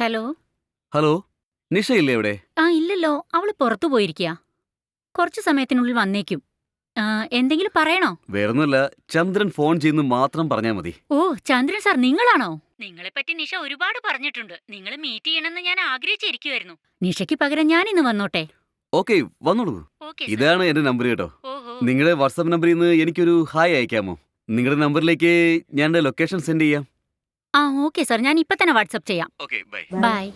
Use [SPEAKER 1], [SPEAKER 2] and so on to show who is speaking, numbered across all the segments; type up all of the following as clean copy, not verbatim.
[SPEAKER 1] Hello.
[SPEAKER 2] Hello, നിഷയില്ലേ ഇവിടെ?
[SPEAKER 1] ഇല്ലല്ലോ, അവള് പുറത്തു പോയിരിക്കാ. കുറച്ചു സമയത്തിനുള്ളിൽ വന്നേക്കും. എന്തെങ്കിലും പറയണോ?
[SPEAKER 2] വേറൊന്നുമല്ല, ചന്ദ്രൻ ഫോൺ ചെയ്യുന്നു മാത്രം പറഞ്ഞാ മതി.
[SPEAKER 1] ഓ, ചന്ദ്രൻ സാർ നിങ്ങളാണോ? നിങ്ങളെപ്പറ്റി നിഷ ഒരുപാട് പറഞ്ഞിട്ടുണ്ട്. നിങ്ങൾ മീറ്റ് ചെയ്യണമെന്ന് ഞാൻ ആഗ്രഹിച്ചിരിക്കുവായിരുന്നു. നിഷയ്ക്ക് പകരം ഞാൻ ഇന്ന് വന്നോട്ടെ?
[SPEAKER 2] ഓക്കെ, വന്നോളൂ.
[SPEAKER 1] ഓക്കെ.
[SPEAKER 2] ഇതാണ് എന്റെ നമ്പർ കേട്ടോ.
[SPEAKER 1] ഓഹോ.
[SPEAKER 2] നിങ്ങളുടെ വാട്സാപ്പ് നമ്പറിൽ നിന്ന് എനിക്കൊരു ഹായ് അയക്കാമോ? നിങ്ങളുടെ നമ്പറിലേക്ക് ഞാൻ എന്റെ ലൊക്കേഷൻ സെൻഡ് ചെയ്യാം.
[SPEAKER 1] ഓക്കെ സാർ, ഞാൻ ഇപ്പൊ തന്നെ വാട്സപ്പ് ചെയ്യാം.
[SPEAKER 2] Okay, bye.
[SPEAKER 1] Bye.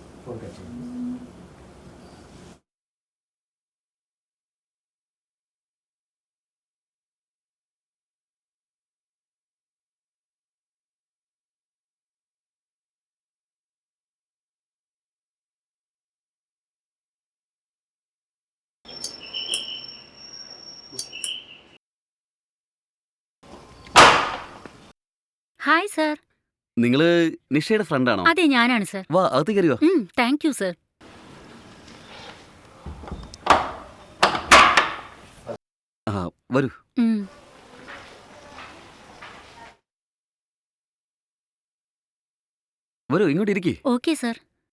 [SPEAKER 1] Hi sir.
[SPEAKER 2] നിങ്ങള് നിഷയുടെ ഫ്രണ്ടാണോ?
[SPEAKER 1] അതെ, ഞാനാണ് സാർ.
[SPEAKER 2] വാ, അകത്ത് കയറി വാ.
[SPEAKER 1] Thank you sir.
[SPEAKER 2] വരൂ. വരൂ, ഇങ്ങോട്ട് ഇരിക്കേ.
[SPEAKER 1] Okay sir.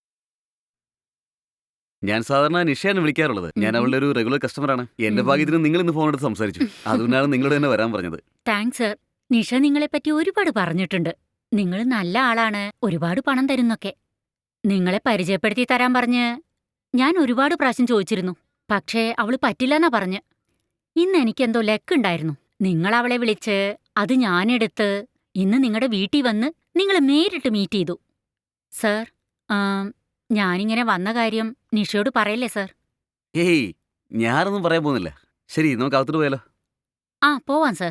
[SPEAKER 2] ഞാൻ സാധാരണ നിഷയാണ് വിളിക്കാറുള്ളത്. ഞാൻ അവളുടെ ഒരു റെഗുലർ കസ്റ്റമറാണ്. എന്റെ ഭാഗ്യത്തിന് നിങ്ങൾ ഇന്ന് ഫോൺ എടുത്ത് സംസാരിച്ചു. അതുകൊണ്ടാണ് നിങ്ങളോട് തന്നെ വരാൻ പറഞ്ഞത്.
[SPEAKER 1] Thanks sir. നിഷ നിങ്ങളെപ്പറ്റി ഒരുപാട് പറഞ്ഞിട്ടുണ്ട്. നിങ്ങൾ നല്ല ആളാണ്, ഒരുപാട് പണം തരുന്നൊക്കെ. നിങ്ങളെ പരിചയപ്പെടുത്തി തരാൻ പറഞ്ഞ് ഞാൻ ഒരുപാട് പ്രാവശ്യം ചോദിച്ചിരുന്നു. പക്ഷേ അവള് പറ്റില്ലെന്നാ പറഞ്ഞ്. ഇന്ന് എനിക്കെന്തോ ലക്കുണ്ടായിരുന്നു. നിങ്ങൾ അവളെ വിളിച്ച് അത് ഞാനെടുത്ത് ഇന്ന് നിങ്ങളുടെ വീട്ടിൽ വന്ന് നിങ്ങളെ നേരിട്ട് മീറ്റ് ചെയ്തു. സാർ, ഞാനിങ്ങനെ വന്ന കാര്യം നിഷയോട് പറയല്ലേ സാർ?
[SPEAKER 2] ഏയ്, ഞാനൊന്നും പറയാൻ പോകുന്നില്ല. ശരി, നമുക്ക് അകത്തോട്ട് പോയാലോ?
[SPEAKER 1] പോവാം സാർ.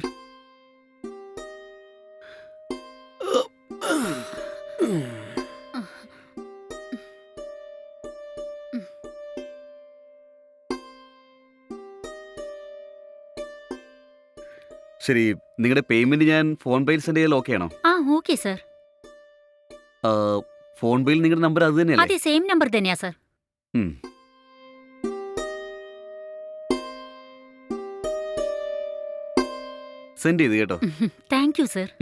[SPEAKER 2] ശരി, നിങ്ങളുടെ പേയ്മെന്റ് ഞാൻ ഫോൺ പേയിൽ സെൻഡ് ചെയ്യാൻ ഓക്കെ ആണോ?
[SPEAKER 1] Okay sir.
[SPEAKER 2] ഫോൺ പേയിൽ നിങ്ങളുടെ നമ്പർ അത് തന്നെയല്ലേ?
[SPEAKER 1] അതെ, സെയിം നമ്പർ തന്നെയാ സാർ.
[SPEAKER 2] സെൻഡ് ചെയ്ത് കേട്ടോ.
[SPEAKER 1] Thank you sir.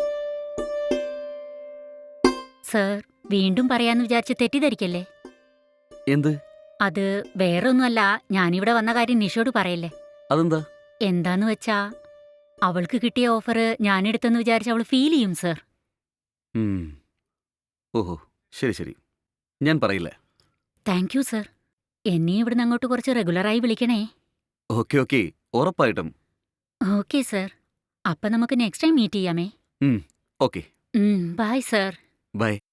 [SPEAKER 1] സാർ, വീണ്ടും പറയാന്ന് വിചാരിച്ച് തെറ്റിദ്ധരിക്കല്ലേ?
[SPEAKER 2] എന്ത്?
[SPEAKER 1] അത് വേറെ ഒന്നുമല്ല, ഞാനിവിടെ വന്ന കാര്യം നിഷയോട് പറയല്ലേ?
[SPEAKER 2] അതെന്താ?
[SPEAKER 1] എന്താന്ന് വെച്ചാ അവൾക്ക് കിട്ടിയ ഓഫർ ഞാനെടുത്തെന്ന് വിചാരിച്ച് അവൾ ഫീൽ ചെയ്യും സാർ.
[SPEAKER 2] ഓഹോ, ശരി ശരി, ഞാൻ പറയില്ല.
[SPEAKER 1] Thank you sir. എന്നെ ഇവിടുന്ന് അങ്ങോട്ട് കുറച്ച് റെഗുലറായി വിളിക്കണേ.
[SPEAKER 2] ഓക്കെ ഓക്കെ, ഉറപ്പായിട്ടും.
[SPEAKER 1] Okay sir. അപ്പൊ നമുക്ക് നെക്സ്റ്റ് ടൈം മീറ്റ് ചെയ്യാമേ?
[SPEAKER 2] ഓക്കെ.
[SPEAKER 1] Bye sir.
[SPEAKER 2] ബൈ.